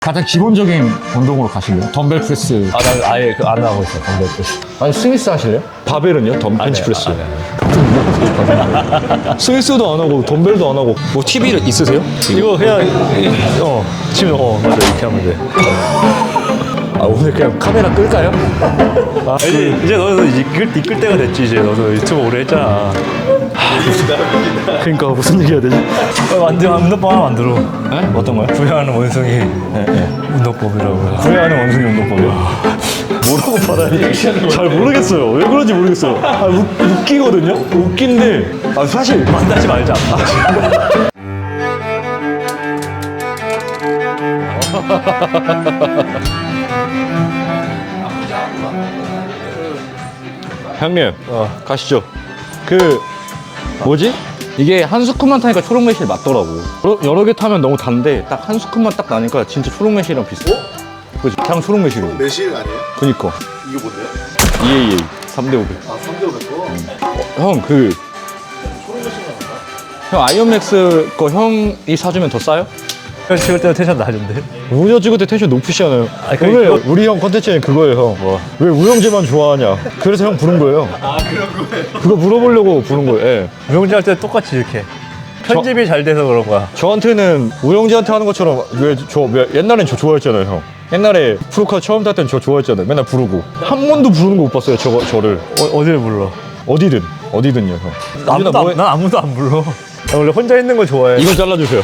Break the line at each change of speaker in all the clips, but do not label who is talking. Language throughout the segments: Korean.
가장 기본적인 운동으로 가실래요? 덤벨 프레스.
난 아예 안 하고 있어, 덤벨 프레스.
아니 스미스 하실래요? 바벨은요? 벤치 프레스.
네.
스미스도 안 하고 덤벨도 안 하고. 뭐 TV 있으세요?
이거 그냥, 지금, 맞아, 이렇게 하면 돼.
아 오늘 그냥 카메라 끌까요?
이제 너도 이끌 때가 됐지, 이제. 너도 유튜브 오래 했잖아.
그러니까 무슨 얘기 해야 되지?
운동법 하나 만들어.
네? 어떤 거요?
부여하는 원숭이 운동법이라고.
후회하는 원숭이 운동법이요. 뭐라고 받아야 잘 모르겠어요. 왜 그런지 모르겠어요. 웃기거든요? 웃긴데 사실
만나지 말자.
형님 가시죠. 뭐지? 이게 한 스쿱만 타니까 초록 매실 맞더라고. 여러 개 타면 너무 단데 딱 한 스쿱만 딱 나니까 진짜 초록 매실이랑 비슷해. 그치? 그냥 초록 매실이고.
매실 아니에요?
그니까
이게 뭔데요?
EAA 3대500.
아, 3대500거?
형 형 아이언맥스 거 형이 사주면 더 싸요?
형 찍을 때는 텐션 낮은데?
우영 찍을 때 텐션 높으시잖아요.
그러니까
오늘 우리 형 컨텐츠는 그거예요, 형. 왜 우영재만 좋아하냐? 그래서 형 부른 거예요.
아, 그런 거예요?
그거 물어보려고 부른 거예요. 예.
우영재 할 때 똑같이 이렇게. 편집이 잘 돼서 그런 거야.
저한테는 우영재한테 하는 것처럼 옛날엔 저 좋아했잖아요, 형. 옛날에 프로카 처음 탈 땐 저 좋아했잖아요. 맨날 부르고 한 번도 부르는 거 못 봤어요, 저를.
어딜 불러?
어디든요, 형.
난 아무도 안 불러. 나 원래 혼자 있는 거 좋아해.
이거 잘라주세요.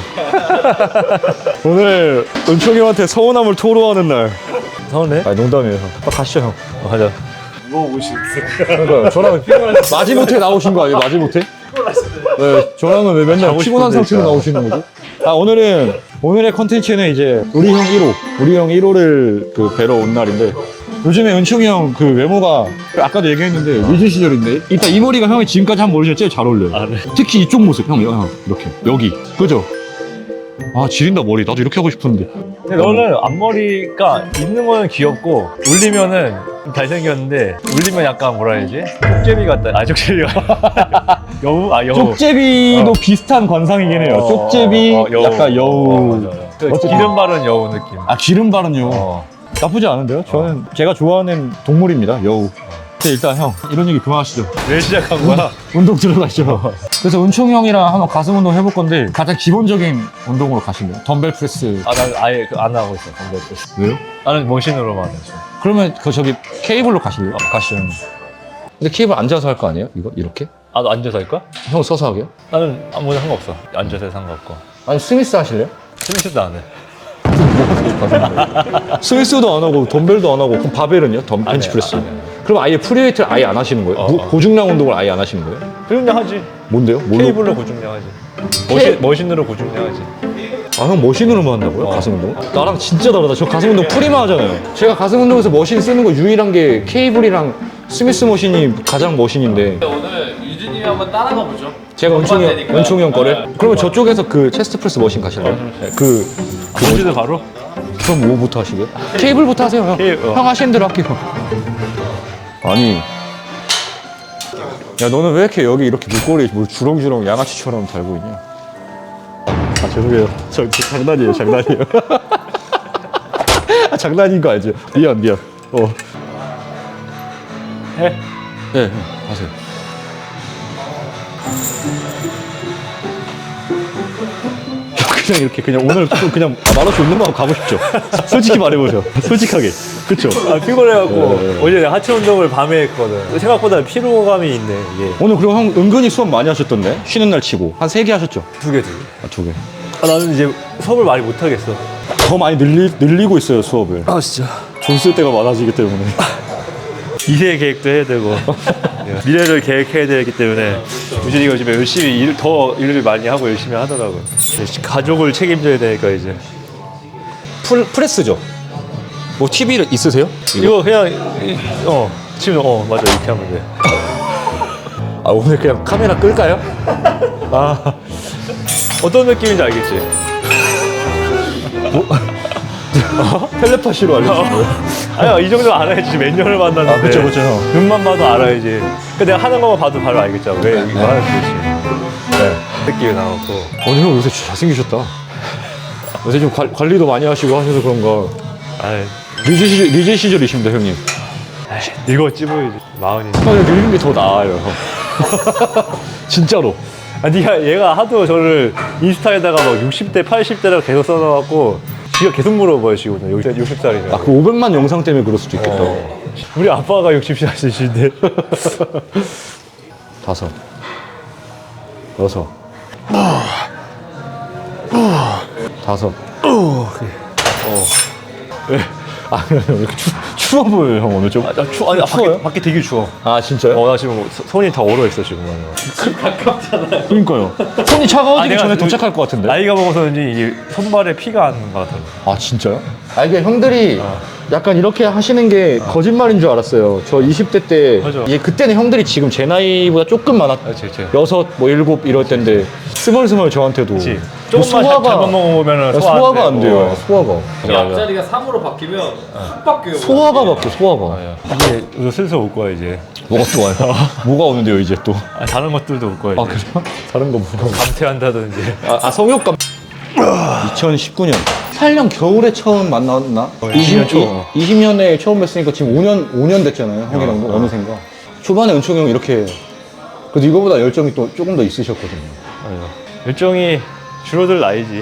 오늘 은총이 형한테 서운함을 토로하는 날.
서운해?
아니 농담이에요, 형. 가시죠, 형.
가자.
뭐 오시겠어요?
그러니까 저랑 마지못해 나오신 거 아니에요? 마지못해? 네, 저랑은 왜 맨날
자고
피곤한
싶은데,
상태로
진짜.
나오시는 거지? 오늘의 컨텐츠는 이제 우리 형 1호를 뵈러 온 날인데, 요즘에 은총이 형 외모가 아까도 얘기했는데 위즈 시절인데, 일단 이 머리가 형이 지금까지 한 머리 중에 제일 잘 어울려요.
네.
특히 이쪽 모습, 형 이렇게 여기, 그죠? 아 지린다 머리. 나도 이렇게 하고 싶은데.
근데 너는 앞머리가 있는 거는 귀엽고 울리면은 좀 잘생겼는데 울리면 약간 뭐라 해야지? 쪽제비 같다. 쪽제비가 여우? 여우.
쪽제비도 비슷한 관상이긴 해요. 쪽제비,
여우.
약간 여우.
맞아.
어쨌든.
기름 바른 여우 느낌.
기름 바른요. 나쁘지 않은데요? 저는 제가 좋아하는 동물입니다, 여우. 근데 일단 형, 이런 얘기 그만하시죠.
왜 시작한 거야?
운동 들어가시죠. 그래서 은총 형이랑 한번 가슴 운동 해볼 건데, 가장 기본적인 운동으로 가실래요? 덤벨 프레스.
난 아예 안 하고 있어. 덤벨 프레스.
왜요?
나는 머신으로만 했어.
그러면 저기 케이블로 가실래요? 가시죠, 형. 근데 케이블 앉아서 할 거 아니에요? 이렇게?
너 앉아서 할 거야?
형 서서 하게요?
나는 아무나 상관없어. 앉아서 해 상관없고.
아니 스미스 하실래요?
스미스도 안 해.
스미스도 안 하고 덤벨도 안 하고, 그럼 바벨은요? 벤치 프레스.
안 해.
그럼 아예 프리웨이트를 아예 안 하시는 거예요? 고중량 운동을 아예 안 하시는 거예요?
고중량 하지.
뭔데요?
케이블로 고중량 하지. 머신으로 고중량 하지.
형 머신으로만 한다고요? 가슴 운동? 나랑 진짜 다르다. 저 가슴 운동 프리만 하잖아요. 제가 가슴 운동에서 머신 쓰는 거 유일한 게 케이블이랑 스미스 머신이 가장 머신인데,
오늘 유진님이 한번 따라가 보죠.
제가 은총이 형 거를? 그러면 저쪽에서 체스트 프레스 머신 가실래요? 네,
머신을 바로?
그럼 뭐부터 하시게요? 케이블부터 하세요, 형. 형 하시는 대로 할게요. 아니, 야 너는 왜 이렇게 여기 이렇게 목걸이 주렁주렁 양아치처럼 달고 있냐? 죄송해요. 장난이에요. 장난인 거 알죠? 미안.
해?
네, 하세요. 그냥 이렇게 오늘 좀 그냥 말없이 운동하고 가고 싶죠? 솔직히 말해보죠. 솔직하게. 그쵸?
피곤해갖고 어제 내가 하체 운동을 밤에 했거든. 생각보다 피로감이 있네 이게.
오늘 그리고 형 은근히 수업 많이 하셨던데? 쉬는 날 치고 한 3개 하셨죠?
2개.
2개.
나는 이제 수업을 많이 못 하겠어.
더 많이 늘리고 있어요, 수업을.
진짜.
돈 쓸 때가 많아지기 때문에.
미래 계획도 해야 되고 미래를 계획해야 되기 때문에 유진이가 요즘에 열심히 일을 많이 하고 열심히 하더라고. 가족을 책임져야 되니까 이제.
프레스죠? 뭐 TV 있으세요?
이거 그냥 지금 맞아 이렇게 하면 돼.
오늘 그냥 카메라 끌까요?
어떤 느낌인지 알겠지?
텔레파시로 알려주는 거예요?
아니야 이 정도 알아야지. 몇 년을 만났는데.
그쵸.
눈만 봐도 알아야지. 내가 하는 거만 봐도 바로 알겠잖아. 왜 이거 하는지. 네. 느낌이 나왔고.
오늘 형 요새 잘생기셨다. 요새 좀 관리도 많이 하시고 하셔서 그런가.
아,
리즈 시절이십니다, 형님.
늙었지 보이지. 마흔이.
형이 늙은 게 더 나아요. 진짜로.
아, 얘가 하도 저를 인스타에다가 막 60대, 80대라고 계속 써놔갖고 지가 계속 물어봐요, 지금. 60살이면.
아, 그 500만 영상 때문에 그럴 수도 있겠다.
우리 아빠가 60살이신데.
5, 6, 5.
왜?
아, 왜 이렇게 추워 보여요, 형, 오늘 좀?
아, 아니,
추워요?
밖에 되게 추워.
아, 진짜요?
나 지금 손이 다 얼어있어, 지금.
그러니까요. 손이 차가워지기 전에 도착할 것 같은데.
나이가 먹어서인지 이게 손발에 피가 안 것 같아요.
아, 진짜요? 아, 이게 형들이 약간 이렇게 하시는 게 거짓말인 줄 알았어요. 저 20대 때.
맞아.
이게 그때는 형들이 지금 제 나이보다 조금 많았.
그치.
6, 뭐 7 이럴 때인데 스멀스멀 저한테도.
그치.
뭐
조금만 잘못 먹으면
소화가 안 돼요. 소화가.
이 앞자리가 3으로 바뀌면 확 바뀌어요.
소화가 바뀌어, 소화가.
이제 요새 슬슬 올 거야, 이제.
뭐가 또 와요? 뭐가 오는데요, 이제 또?
아, 다른 것들도 올 거야,
아,
이제.
그래요? 다른 거 뭐가?
감퇴한다든지.
성욕감. 2019년. 8년 겨울에 처음 만났나?
20년 초.
20년에 처음 뵀으니까 지금 5년 됐잖아요, 형이랑도 어느샌가. 초반에 은총이 형 이렇게 그래도 이거보다 열정이 또 조금 더 있으셨거든요.
열정이 줄어들 나이지.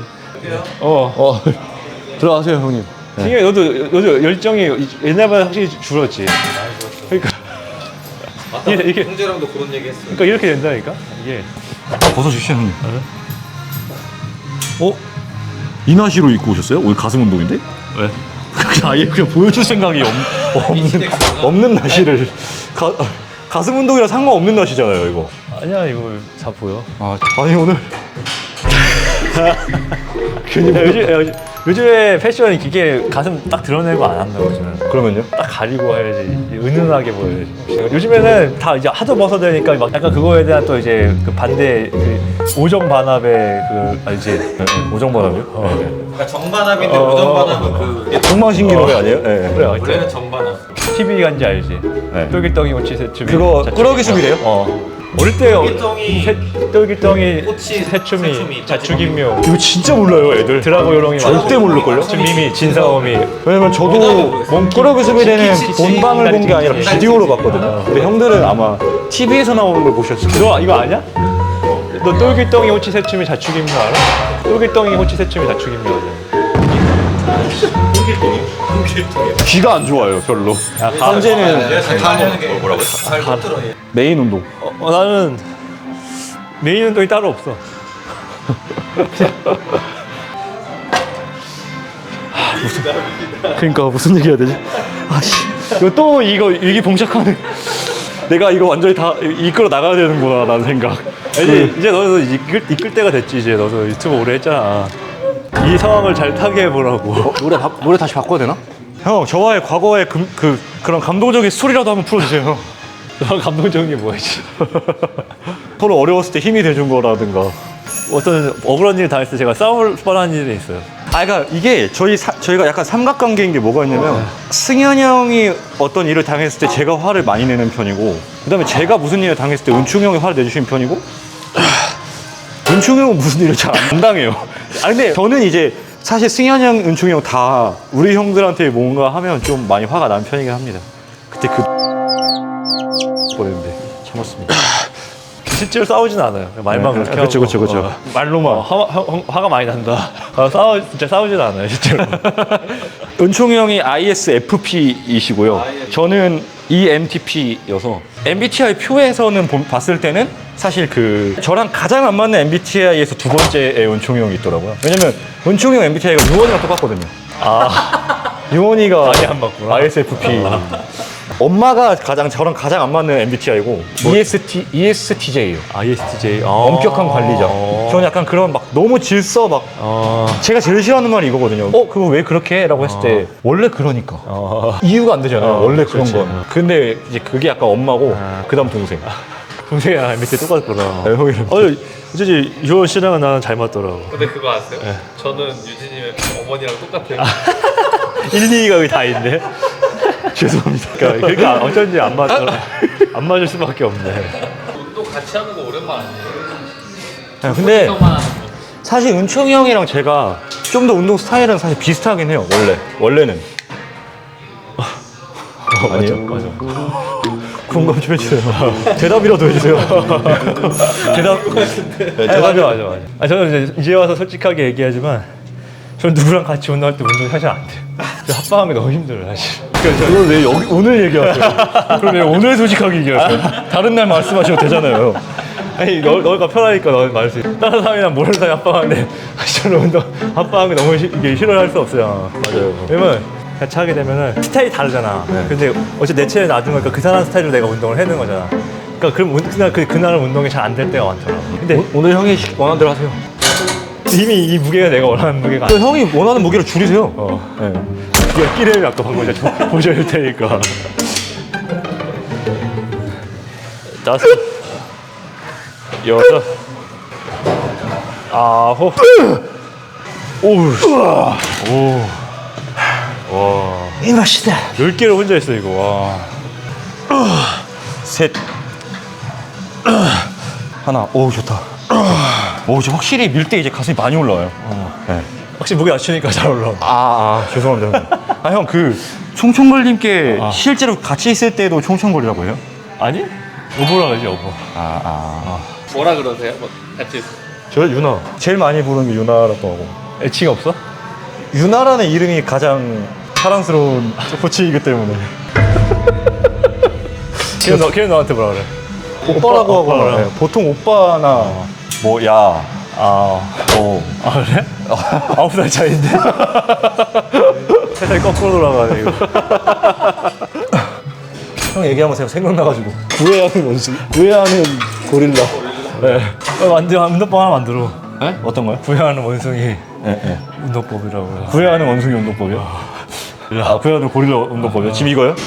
들어가세요, 형님.
승현이 너도 열정이 옛날보다 확실히 줄었지. 그러니까 이게
형제랑도 그런 얘기 했어요.
그러니까 이렇게 된다니까 이게.
벗어주시죠, 형님. 이나시로 입고 오셨어요? 오늘 가슴 운동인데?
왜?
그냥 아예 그냥 보여줄 생각이 없는 나시를 가슴 운동이랑 상관없는 나시잖아요, 이거.
아니야 이거 다 보여.
아니 오늘
요즘에 패션이 이게 가슴 딱 드러내고 안 한다고 요즘은.
그러면요?
딱 가리고 해야지 은은하게 보여야지. 요즘에는 다 이제 하도 벗어대니까 막 약간 그거에 대한 또 이제 그 반대 그 오정 반합의 그 알지?
오정 반합이요?
그러니까 정반합인데 오정반합은 그
정망신기 노래 아니에요? 네.
그래
원래는 정반합.
TV 간지 알지?
네.
똘기덩이 오치 새춤이.
그거
자축이.
꾸러기 숲이래요?
어릴 때 똘기덩이
꼬치,
새춤이
새춤이,
자축인묘
이거 진짜 몰라요, 애들.
드라고 요롱이
절대 모를걸요?
미미 진사오미.
왜냐면 저도 꾸러기 숲이래는 본방을 본 게 아니라 비디오로 봤거든요. 근데 형들은 아마 TV에서 나오는 걸 보셨을 거예요.
너 이거 아냐? 너 똘기덩이 호치 새춤이 자축인묘 알아? 똘기덩이 호치 새춤이 자축인묘
귀가 안 좋아요, 별로. 현재는
하는 게 뭐라고 잘못 들어.
메인 운동.
나는 메인 운동이 따로 없어.
그러니까 무슨 얘기 해야 되지? 이거 또 이게 봉착하는. 내가 이거 완전히 다 이끌어 나가야 되는구나 라는 생각.
이제 너도 이끌 때가 됐지. 이제 너도 유튜브 오래 했잖아. 이 상황을 잘 타게 해보라고.
노래 다시 바꿔야 되나? 형, 저와의 과거의 그런 감동적인 스토리라도 한번 풀어주세요.
너 감동적인 게 뭐였지?
서로 어려웠을 때 힘이 돼준 거라든가.
어떤 억울한 일 당했을 때 제가 싸울 뻔한 일이 있어요.
그러니까 이게 저희가 약간 삼각관계인 게 뭐가 있냐면 승현이 형이 어떤 일을 당했을 때 제가 화를 많이 내는 편이고, 그다음에 제가 무슨 일을 당했을 때 은충이 형이 화를 내주시는 편이고, 은충이 형은 무슨 일을 잘 안 당해요. 근데 저는 이제 사실 승현이 형, 은충이 형 다 우리 형들한테 뭔가 하면 좀 많이 화가 나는 편이긴 합니다. 그때 뻔했는데 참았습니다.
실제로 싸우진 않아요. 말만 그렇게 하고.
그렇죠. 말로만.
화가 많이 난다. 진짜 싸우진 않아요, 실제로.
은총이 형이 ISFP이시고요. 저는 ENTP여서 MBTI 표에서는 봤을 때는 사실 저랑 가장 안 맞는 MBTI에서 두 번째에 은총이 형이 있더라고요. 왜냐면 은총이 형 MBTI가 유원이랑 똑같거든요. 유원이가
많이 안 맞구나.
ISFP. 엄마가 저랑 가장 안 맞는 MBTI고 ESTJ예요.
ISTJ.
엄격한 관리자. 저는 약간 그런 막 너무 질서 막 제가 제일 싫어하는 말이 이거거든요. 그거 왜 그렇게 해? 라고 했을 때 원래 그러니까. 이유가 안 되잖아요. 원래 그런 거. 근데 이제 그게 약간 엄마고 그다음 동생.
동생이랑 MBTI 똑같구나.
네, 형이랑.
어쩐지 유원 씨랑은 나는 잘 맞더라고.
근데 그거 아세요? 저는 유진님의 어머니랑 똑같아요.
1, 2가 여기 다 있네.
죄송합니다.
그러니까 어쩐지 안 맞을 수밖에 없네.
운동 같이 하는 거 오랜만 아니에요?
근데
형만 하는 거.
사실 은총이 형이랑 제가 좀 더 운동 스타일은 사실 비슷하긴 해요. 원래는. 아니에요?
맞아.
공감 좀 해주세요. 대답이라도 해주세요.
대답이 맞아. 아, 저는 이제 와서 솔직하게 얘기하지만 저는 누구랑 같이 운동할 때 운동이 사실 안 돼요. 합방하는 게 너무 힘들어요, 사실.
그걸 왜 여기 오늘 얘기하세요? 그럼 왜 오늘 솔직하게 얘기하세요? 다른 날 말씀하셔도 되잖아요.
아니, 너가 편하니까 너는 말할 수 있어. 다른 사람이랑 모르는 사람이 합방하는데 저는 운동 합방하는 게 너무 이게 싫어할 수 없어요.
맞아요.
왜냐면 같이 하게 되면은 스타일이 다르잖아. 근데 어차피 내 체에 놔두니까 그 사람 스타일로 내가 운동을 해는 거잖아. 그러니까 그럼 그날은 운동이 잘 안 될 때가 많더라고. 근데
오늘 형이 원하는 대로 하세요.
이미 이 무게가 내가 원하는 무게가
또 형이 원하는 무게를 줄이세요. 네.
네가 끼를 아까 방금 이제 보셔야 테니까. 다섯, 여섯, 아홉, 오, 와,
이 맛이다.
10개를 혼자 했어 이거. 와,
셋. 하나. 오, 좋다. 오, 이제 확실히 밀 때 이제 가슴이 많이 올라와요. 네.
확실히 무게 낮추니까 잘 올라와.
죄송합니다. 형, 그 총총걸님께 실제로 같이 있을 때도 총총걸이라고 해요?
아니? 여보라 그러지 여보.
뭐라 그러세요? 뭐 같이
저 유나. 제일 많이 부르는 게 유나라고 하고.
애칭 없어?
유나라는 이름이 가장 사랑스러운 호칭이기 때문에.
걔는 너한테 뭐라 그래?
오빠라고 하고.
오빠라고.
네, 보통 오빠나 뭐 야.
그래? 9살 차이인데? 세상이 거꾸로 돌아가네 이거.
형 얘기 한번 생각나가지고. 구애하는 원숭이? 구애하는 고릴라.
네. 운동법 하나 만들어.
네? 어떤 거요?
구애하는 원숭이
네.
운동법이라고요.
구애하는 원숭이 운동법이요? 구애하는 고릴라 운동법이요? 지금 이거요?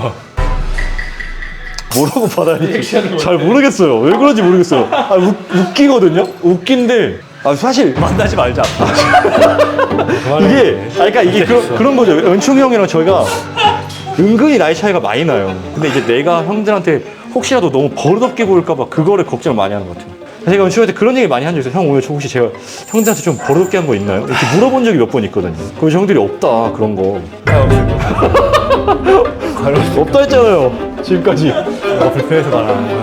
뭐라고 받아야 잘 모르겠어요. 왜 그런지 모르겠어요. 웃기거든요? 웃긴데. 사실.
만나지 말자.
그러니까 이게 그런 거죠. 은총이 형이랑 저희가 은근히 나이 차이가 많이 나요. 근데 이제 내가 형들한테 혹시라도 너무 버릇없게 보일까봐 그거를 걱정을 많이 하는 것 같아요. 제가 은총이한테 그런 얘기 많이 한 적이 있어요. 형, 오늘 혹시 제가 형들한테 좀 버릇없게 한 거 있나요? 이렇게 물어본 적이 몇 번 있거든요. 그래서 형들이 없다, 그런 거. 없다 했잖아요. 지금까지.
불편해서 말하는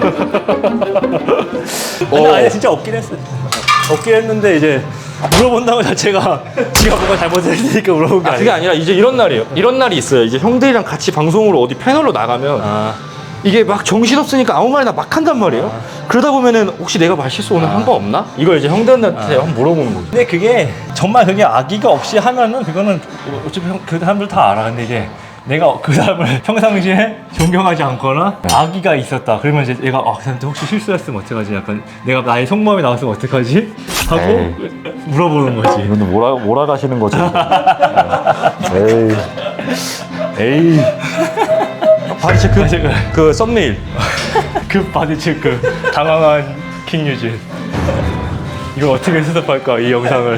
거야. 아니 진짜 없긴 했어. 없긴 했는데 이제 물어본다는 것 자체가 지가 뭔가 잘못했으니까 물어본 게 아니야.
그게 아니라 이제 이런 날이에요. 이런 날이 있어요. 이제 형들이랑 같이 방송으로 어디 패널로 나가면 이게 막 정신없으니까 아무 말이나 막 한단 말이에요. 그러다 보면은 혹시 내가 말실수 오늘 한 거 없나? 이걸 이제 형들한테 한번 물어보는 거죠.
근데 그게 정말 그게 악의가 없이 하면은 그거는 어차피 그 사람들 다 알아. 근데 이제 내가 그 사람을 평상시에 존경하지 않거나 악의가 있었다. 그러면 이제 얘가 그 사람한테 혹시 실수했으면 어떡하지? 약간 내가 나의 속마음이 나왔으면 어떡하지? 하고 물어보는 거지.
이분들 몰아가시는 거죠. 에이. 바디 체크? 그 썸네일.
그 바디 체크. 당황한 킹유진. 이거 어떻게 수습할까? 이 영상을.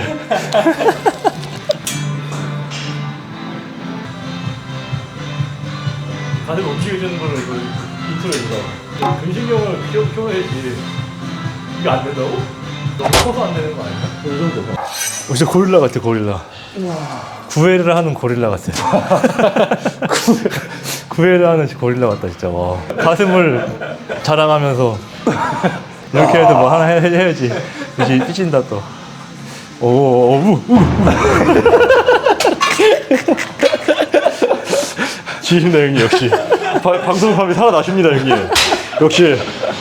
다들 움직여주는 거를 이거 인트로 이거 근신경을 키워야지. 이거 안 된다고? 너무 커서 안 되는 거 아니야? 이 정도가. 진짜 고릴라 같아, 고릴라. 구애를 하는 고릴라 같아. 구애를 하는 고릴라 같다 진짜. 와. 가슴을 자랑하면서 이렇게 해도 뭐 하나 해야지. 이제 삐진다 또. 지신다 형님 역시.
방송감이 살아나십니다, 형님. 역시.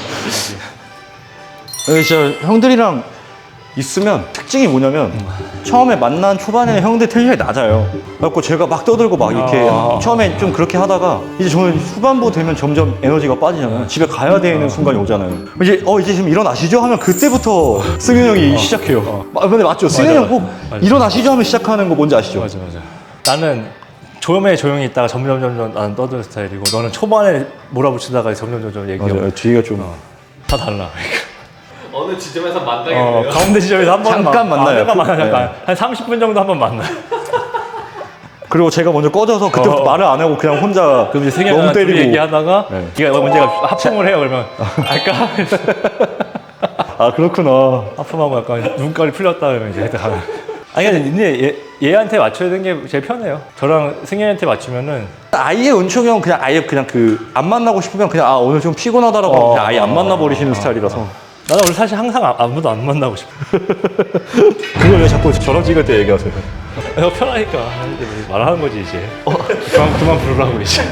진짜 형들이랑 있으면 특징이 뭐냐면 처음에 만난 초반에는 형들 텐션이 낮아요. 그래갖고 제가 막 떠들고 막 이렇게 처음에 좀 그렇게 하다가 이제 저는 후반부 되면 점점 에너지가 빠지잖아요. 집에 가야 되는 순간이 오잖아요. 이제 이제 지금 일어나시죠? 하면 그때부터 승윤 형이 시작해요. 근데 맞죠? 승윤 형 꼭 일어나시죠? 하면 시작하는 거 뭔지 아시죠?
맞아. 나는 처음에 조용히 있다가 점점 나는 떠드는 스타일이고 너는 초반에 몰아붙이다가 점점 얘기하고
맞아요. 뒤가 좀
다 달라.
어느 지점에서 만나겠네요.
가운데 지점에서 한 번
잠깐 만나요.
잠깐 만나.
네.
한 30분 정도 한 번 만나.
그리고 제가 먼저 꺼져서 그때부터 말을 안 하고 그냥 혼자
그럼 이제 승현이랑
멍
둘이
때리고
얘기하다가
네.
네가 먼저 하품을 해요. 그러면 할까?
그렇구나.
하품하고 약간 눈깔이 풀렸다 그러면 이제 가면 아니 근데 얘한테 맞춰야 되는 게 제일 편해요. 저랑 승현이한테 맞추면은
아예 은총이 형 그냥 아예 그냥 그 안 만나고 싶으면 그냥 아 오늘 좀 피곤하다라고 하면 그냥 아예 안 만나버리시는 스타일이라서.
나는 원래 사실 항상 아무도 안 만나고 싶어. 그걸 왜 자꾸 저랑 찍을 때 얘기하세요? 내가 편하니까 이제 말하는 거지 이제. 그만 부르라고 이제.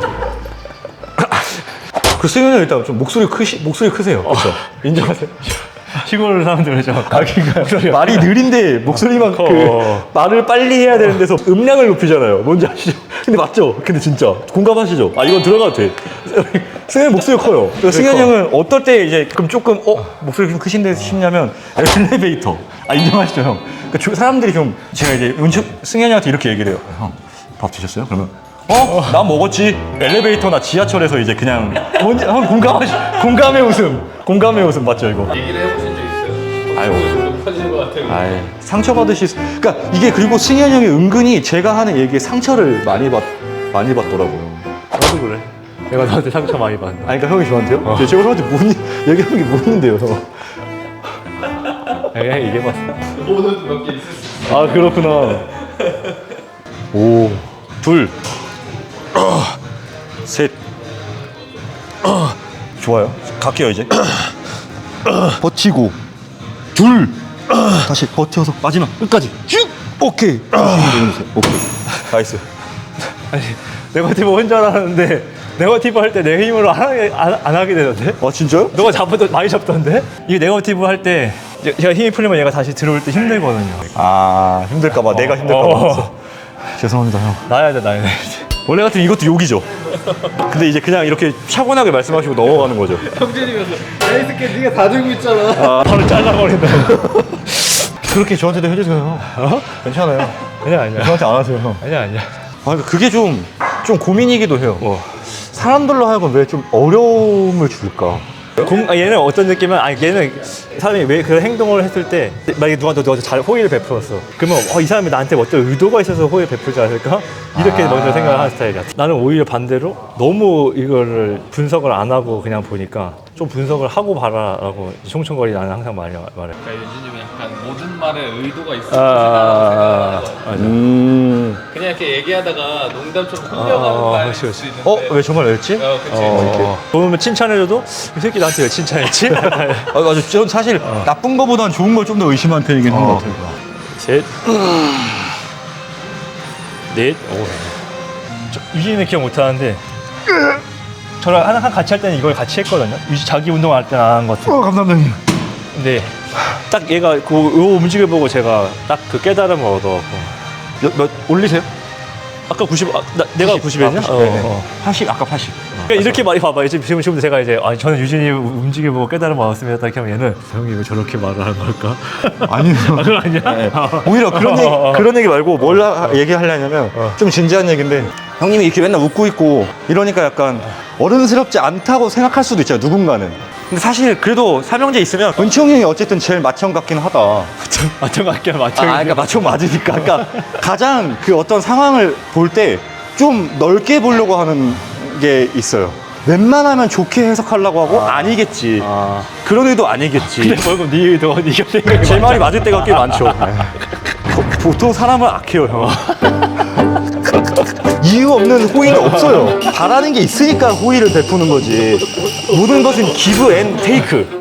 그 승현이 형 일단 좀 목소리 크세요. 그렇죠?
인정하세요? 시골 사람들 그죠? 그러니까
말이 느린데 목소리만 말을 빨리 해야 되는 데서 음량을 높이잖아요. 뭔지 아시죠? 근데 맞죠? 근데 진짜 공감하시죠? 아 이건 들어가도 돼. 승현이 목소리 커요. 승현이 형은 어떨 때 이제 그럼 조금 목소리 좀 크신데 싶냐면 엘리베이터. 아 인정하시죠 형? 그러니까 사람들이 좀 제가 이제 승현이 형한테 이렇게 얘기를 해요. 형 밥 드셨어요? 그러면 나 먹었지. 엘리베이터나 지하철에서 이제 그냥 뭔지 형 공감의 웃음 맞죠 이거?
얘기를 해보신 적 있어요?
아유.
높아지는 것 같아요.
아이, 상처받으실 수. 그러니까 이게 그리고 승현 형이 은근히 제가 하는 얘기에 상처를 많이 받더라고요.
나도 그래. 내가 너한테 상처 많이 받는다.
아니, 그러니까 형이 저한테요? 제가 형한테 얘기한 게 뭐였는데요,
그냥 얘기해봤어.
오늘도 몇 개 있었어요.
아, 그렇구나. 오, 둘, 셋. 좋아요. 갈게요, 이제. 버티고. 둘. 다시 버텨서 마지막 끝까지. 쭉. 오케이. 오케이. 나이스.
아니 네거티브 혼자 하는데 네거티브 할 때 내 힘으로 안 하게 되던데?
아, 진짜요?
너가 많이 잡던데? 이게 네거티브 할 때 제가 힘이 풀리면 얘가 다시 들어올 때 힘들거든요.
아, 힘들까봐. 내가 힘들까봐. 죄송합니다, 형.
나야 돼.
원래 같으면 이것도 욕이죠. 근데 이제 그냥 이렇게 차분하게 말씀하시고 넘어가는 거죠.
형제님께서 야 이 새끼 네가 다 들고 있잖아.
바로 잘라버린다고.
그렇게 저한테도 해주세요. 괜찮아요.
아니야.
저한테 안 하세요, 형.
아니야.
아, 그러니까 그게 좀 고민이기도 해요. 사람들로 하여금 왜 좀 어려움을 줄까?
얘는 어떤 느낌은 얘는 사람이 왜 그런 행동을 했을 때 만약에 누가 너한테 잘 호의를 베풀었어. 그러면 이 사람이 나한테 어떤 의도가 있어서 호의를 베풀지 않을까? 이렇게 먼저 생각을 하는 스타일이야. 나는 오히려 반대로 너무 이거를 분석을 안 하고 그냥 보니까 좀 분석을 하고 봐라라고 총총거리 나는 항상 말해.
그러니까 유진님은 약간 모든 말에 의도가 있을 것이다 생각하세요. 그냥 이렇게 얘기하다가 농담처럼 흘려가는 말일 수 있는데.
왜 정말 왜였지?
그치.
보면 칭찬해줘도 이 새끼 나한테 왜 칭찬했지?
맞아. 전 사실 나쁜 거보단 좋은 걸 좀 더 의심하는 편이긴 한 것 같아요.
셋, 넷, 유진이는 기억 못하는데 저랑 항상 같이 할 때는 이걸 같이 했거든요. 자기 운동할 때는 안 한 것 같아요.
감사합니다.
근데 딱 얘가 요 움직임을 보고 제가 딱 그 깨달음을 얻어갖고
몇 올리세요?
아까 90, 내가 90이었냐?
80, 아까 80.
그러니까 이렇게 많이 봐봐. 지금 제가 이제 저는 유진이 움직임 보고 깨달음을 얻었습니다. 이렇게 하면 얘는 형이 왜 저렇게 말을 하는 걸까?
아니요.
그건 아니야?
네. 오히려 그런 얘기 말고 뭘 얘기하려냐면 좀 진지한 얘기인데 형님이 이렇게 맨날 웃고 있고 이러니까 약간 어른스럽지 않다고 생각할 수도 있잖아요, 누군가는. 근데 사실 그래도 삼형제 있으면 은총 형이 어쨌든 제일 맏형 같긴 하다.
맞춰 갈게 맞춰.
그러니까 맏형 맞으니까. 그러니까 가장 그 어떤 상황을 볼 때 좀 넓게 보려고 하는 게 있어요. 웬만하면 좋게 해석하려고 하고 아니겠지. 그런 의도 아니겠지.
근데 벌금 네 의도 네가 생각해.
제 말이 맞을 때가 꽤 많죠. 보통 사람을 악해요, 형. 이유 없는 호의는 없어요. 바라는 게 있으니까 호의를 베푸는 거지. 모든 것은 기브 앤 테이크.